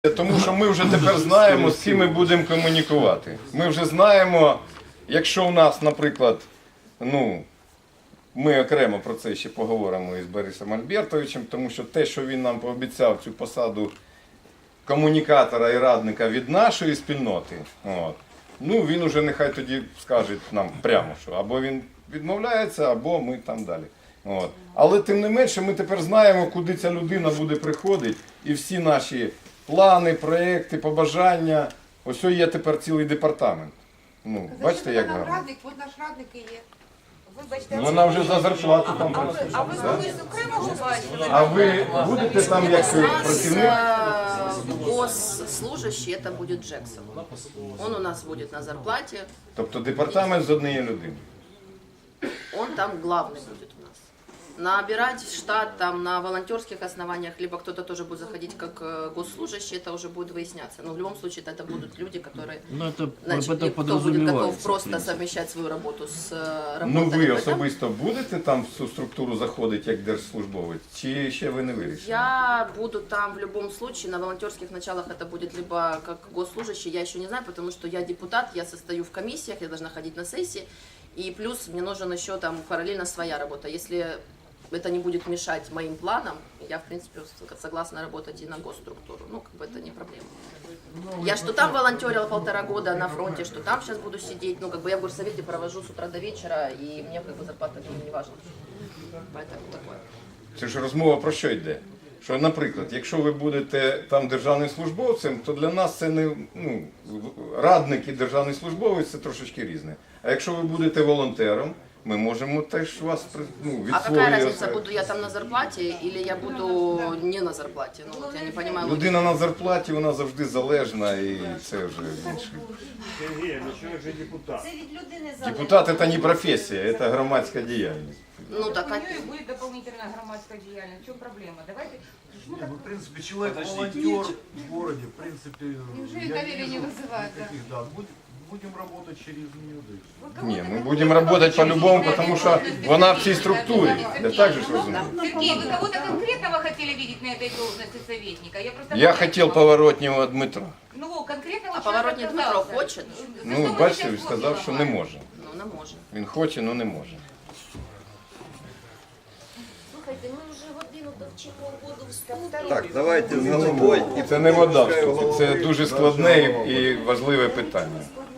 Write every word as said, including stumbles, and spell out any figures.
Тому що ми вже тепер знаємо, з ким ми будемо комунікувати. Ми вже знаємо, якщо у нас, наприклад, ну, ми окремо про це ще поговоримо із Борисом Альбертовичем, тому що те, що він нам пообіцяв цю посаду комунікатора і радника від нашої спільноти, от, ну він уже нехай тоді скаже нам прямо, що або він відмовляється, або ми там далі. От. Але тим не менше ми тепер знаємо, куди ця людина буде приходити, і всі наші плани, проекти, побажання. Ось є тепер цілий департамент. Ну, бачите, як гарно. Радник, от наш радник і є. Вибачте, Ну, вона вже за зарплату там а ви, працює. а ви колись окремо бачили? А ви будете там як працівник? Госслужащий это будет Джексон. Он у нас будет на зарплате. Тобто департамент з однієї людини. Он там главный будет у нас. Набирать штат там на волонтерских основаниях, либо кто-то тоже будет заходить как госслужащий, это уже будет выясняться. Но в любом случае это будут люди, которые, Ну, это, значит, это кто будет готов подразумевается, в просто принципе. совмещать свою работу с э, Ну работой. ви об этом. особисто будете там в цю структуру заходити як держслужбовець? Чи ще ви не вирішили? Я буду там в любом случае, на волонтерских началах это будет либо как госслужащий, я еще не знаю, потому что я депутат, я состою в комиссиях, я должна ходить на сессии, и плюс мне нужен еще там параллельно своя работа. Если это не будет мешать моим планам, я в принципе согласна работать и на госструктуру, ну как бы это не проблема. Я что там волонтерила полтора года на фронте, что там сейчас буду сидеть, ну как бы я в горсовете провожу с утра до вечера, и мне как бы зарплата не важна. Поэтому такое. Це ж розмова про що йде? Що, наприклад, якщо ви будете там державним службовцем, то для нас це не, ну, радник і державний службовець це трошечки різне. А якщо ви будете волонтером, ми можемо теж вас, ну, від А какая своєї разница, осе- буду я там на зарплате или я буду не на зарплате? Ну вот я не понимаю. логики. Людина на зарплаті, вона завжди залежна і це вже інше. Сергей, ну человек же депутат. Це від людини залежить. Депутат – це не професія, це громадська діяльність. Ну так, У а... нее будет дополнительная громадская деятельность. В чем проблема? Давайте. Ну, Не, ну, в принципе, человек-волонтер в городе, в принципе, Неужели я доверие не вижу вызывает, да? никаких, да. Будем, будем работать через нее, да и всё. вы кого-то Ні, ми конкретного будемо працювати хотите по-любому, видеть тому на що этой вона в должности цій структурі. советника? Я так же ж розумію. Сергей, вы кого-то конкретного хотели видеть на этой должности советника? Я просто Я не хотів знаю. Поворотнього Дмитра. Ну, конкретного А человека Поворотний Дмитро отказался. хочет? За Ну, что вы бачите, сейчас він сказав, що не може. Ну не може. Він хоче, але не може. Слухайте, ми вже годину довчимо воду в столу. Так, давайте з головою. І це не вода, в ступі, це дуже складне і важливе питання.